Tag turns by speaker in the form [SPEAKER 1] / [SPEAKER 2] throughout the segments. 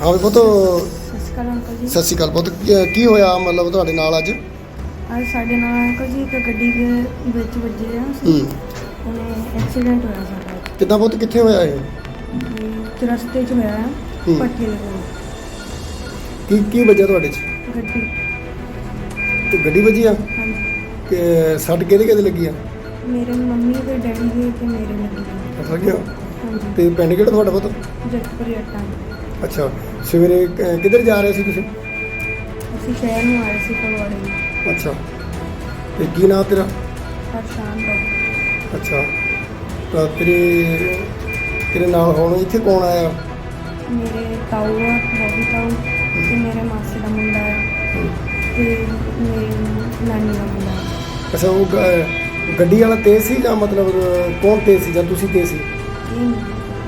[SPEAKER 1] हाँ पुत
[SPEAKER 2] ਸਤਿ ਸ਼੍ਰੀ ਅਕਾਲ ਅੰਕਲ ਜੀ।
[SPEAKER 1] सत श्रीकाल पुत की होया मतलब तुहाडे नाल अज
[SPEAKER 2] ਅੱਜ ਸਾਡੇ ਨਾਲ ਅੰਕਲ ਜੀ ਇੱਕ ਗੱਡੀ ਦੇ ਵਿੱਚ ਵੱਜੇ ਆ ਅਸੀਂ। ਉਹਨੇ ਐਕਸੀਡੈਂਟ ਹੋਇਆ ਸਾਡਾ
[SPEAKER 1] कितना पुत कित्थे होया ये
[SPEAKER 2] ਤੇ ਰਸਤੇ 'ਚ ਹੋਇਆ ਆ
[SPEAKER 1] ਹੂੰ।
[SPEAKER 2] ਭੱਠੇ ਦੇ ਕੋਲ
[SPEAKER 1] की वजह तुहाडे च
[SPEAKER 2] ਗੱਡੀ।
[SPEAKER 1] ते गड्डी वजी आ
[SPEAKER 2] ਹਾਂਜੀ
[SPEAKER 1] कि सट किहदे लगी आ
[SPEAKER 2] ਮੇਰੇ ਮੰਮੀ ਤੇ ਡੈਡੀ ਦੇ ਤੇ ਮੇਰੇ ਲੱਗੀ ਹੋਈ।
[SPEAKER 1] अच्छा गया
[SPEAKER 2] ਹਾਂਜੀ
[SPEAKER 1] ते पिंड किहड़ा तुहाडा पुत
[SPEAKER 2] ਜੱਟਪੁਰ ਜੱਟਾਂ
[SPEAKER 1] अच्छा सवेरे किधर जा रहे सी तुसीं
[SPEAKER 2] ਅਸੀਂ ਸ਼ਹਿਰ ਨੂੰ ਆਏ ਸੀ ਫਗਵਾੜੇ ਨੂੰ।
[SPEAKER 1] अच्छा ते की नाम तेरा
[SPEAKER 2] ਪਰੇਸ਼ਾਨ ਤੋਂ
[SPEAKER 1] अच्छा तो तेरे नाल हुण इत्थे कौन आया
[SPEAKER 2] ਮੇਰੇ ਤਾਊ ਆ ਬੋਬੀ ਤਾਊ ਤੇ ਮੇਰੇ ਮਾਸੀ ਦਾ ਮੁੰਡਾ ਆ ਤੇ ਮੇਰੀ ਨਾਨੀ ਦਾ ਮੁੰਡਾ ਆ।
[SPEAKER 1] अच्छा वो गड्डी वाला तेज सी या मतलब कौन तेज सी या तुसीं तेज सी
[SPEAKER 2] ਇਹ ਨਹੀਂ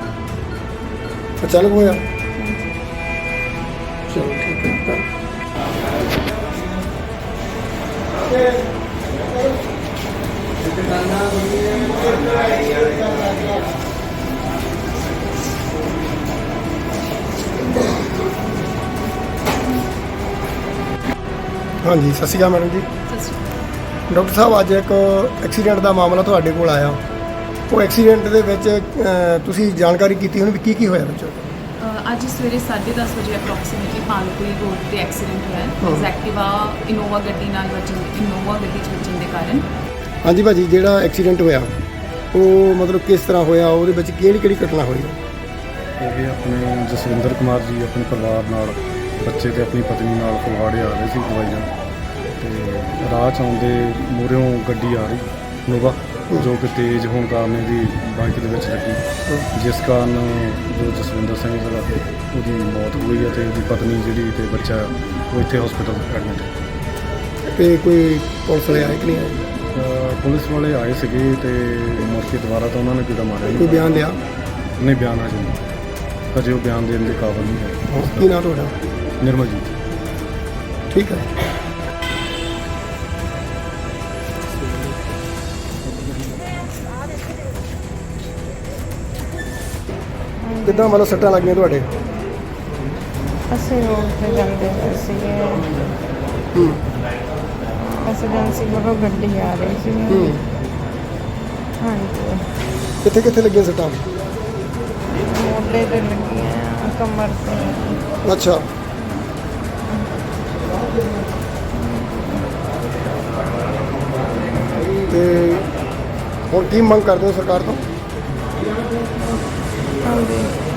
[SPEAKER 1] अचानक होया
[SPEAKER 2] ਹਾਂਜੀ
[SPEAKER 1] चलो ठीक है हाँ जी सत श्री अकाल मैडम जी ਡਾਕਟਰ ਸਾਹਿਬ ਅੱਜ ਇੱਕ ਐਕਸੀਡੈਂਟ ਦਾ ਮਾਮਲਾ ਤੁਹਾਡੇ ਕੋਲ ਆਇਆ। ਉਹ ਐਕਸੀਡੈਂਟ ਦੇ ਵਿੱਚ ਤੁਸੀਂ ਜਾਣਕਾਰੀ ਕੀਤੀ ਹੁਣ ਵੀ ਕੀ ਹੋਇਆ ਵਿੱਚ
[SPEAKER 3] ਅੱਜ ਸਵੇਰੇ 10:30 ਵਜੇ ਅਪਰੋਕਸੀਮੇਟਲੀ ਪਾਲਪੁਰੀ ਰੋਡ ਤੇ ਐਕਸੀਡੈਂਟ ਹੋਇਆ ਹੈ। ਐਕਟਿਵਾ ਇਨੋਵਾ ਗੱਡੀ ਨਾਲ ਇਨੋਵਾ ਗੱਡੀ 'ਚ ਵੱਜਣ ਦੇ ਕਾਰਨ।
[SPEAKER 1] ਹਾਂਜੀ ਭਾਜੀ ਜਿਹੜਾ ਐਕਸੀਡੈਂਟ ਹੋਇਆ ਉਹ ਮਤਲਬ ਕਿਸ ਤਰ੍ਹਾਂ ਹੋਇਆ, ਉਹਦੇ ਵਿੱਚ ਕਿਹੜੀ ਘਟਨਾ ਹੋਈ?
[SPEAKER 4] ਇਹ ਆਪਣੇ ਜਸਵਿੰਦਰ ਕੁਮਾਰ ਜੀ ਆਪਣੇ ਪਰਿਵਾਰ ਨਾਲ ਬੱਚੇ ਤੇ ਆਪਣੀ ਪਤਨੀ ਨਾਲ ਫਗਵਾੜੇ ਆ ਰਹੇ ਸੀ ਦਵਾਈਆਂ ਤੇ ਰਾਹ 'ਚ ਆਉਂਦੇ ਮੂਹਰਿਓਂ ਗੱਡੀ ਆ ਰਹੀ ਨੋਵਾ ਜੋ ਕਿ ਤੇਜ਼ ਹੋਣ ਕਾਰਨ ਇਹਦੀ ਬਾਈਕ ਦੇ ਵਿੱਚ ਲੱਗੀ, ਜਿਸ ਕਾਰਨ ਜੋ ਜਸਵਿੰਦਰ ਸਿੰਘ ਦਾ ਉਹਦੀ ਮੌਤ ਹੋਈ ਹੈ ਤੇ ਉਹਦੀ ਪਤਨੀ ਜਿਹੜੀ ਤੇ ਬੱਚਾ ਉਹ ਇੱਥੇ ਹਸਪੀਟਲ ਐਡਮਿਟ ਹੈ।
[SPEAKER 1] ਤੇ ਕੋਈ ਪੁਲਿਸ ਵਾਲੇ ਆਏ ਕਿ ਨਹੀਂ ਆਏ?
[SPEAKER 4] ਪੁਲਿਸ ਵਾਲੇ ਆਏ ਸੀਗੇ ਤੇ ਮੁੜ ਕੇ ਦੁਬਾਰਾ ਤਾਂ ਉਹਨਾਂ ਨੇ ਕਿਹਦਾ ਮਾਰਿਆ
[SPEAKER 1] ਕੋਈ ਬਿਆਨ ਲਿਆ?
[SPEAKER 4] ਨਹੀਂ ਬਿਆਨ ਅਜੇ ਨਹੀਂ, ਅਜੇ ਉਹ ਬਿਆਨ ਦੇਣ ਦੇ ਕਾਬਿਲ ਨਹੀਂ ਹੈ।
[SPEAKER 1] ਕੀ ਨਾਂ ਤੁਹਾਡਾ?
[SPEAKER 4] ਨਿਰਮਲਜੀਤ।
[SPEAKER 1] ਠੀਕ ਹੈ। ਕਿੱਦਾਂ ਮਤਲਬ ਸੱਟਾਂ ਲੱਗੀਆਂ ਤੁਹਾਡੇ?
[SPEAKER 2] ਅਸੀਂ ਰੋਡ ਤੇ ਜਾਂਦੇ ਪਏ ਸੀਗੇ। ਐਮਰਜੈਂਸੀ ਵੱਲੋਂ ਗੱਡੀ ਆ ਰਹੀ ਸੀ। ਹਾਂਜੀ
[SPEAKER 1] ਕਿੱਥੇ ਲੱਗੀਆਂ ਸੱਟਾਂ?
[SPEAKER 2] ਮੋਢੇ ਤੇ ਲੱਗੀਆਂ, ਕਮਰ ਤੇ।
[SPEAKER 1] ਅੱਛਾ ਤੇ ਹੁਣ ਕੀ ਮੰਗ ਕਰਦੇ ਹੋ ਸਰਕਾਰ ਤੋਂ?
[SPEAKER 2] ਹਾਂਜੀ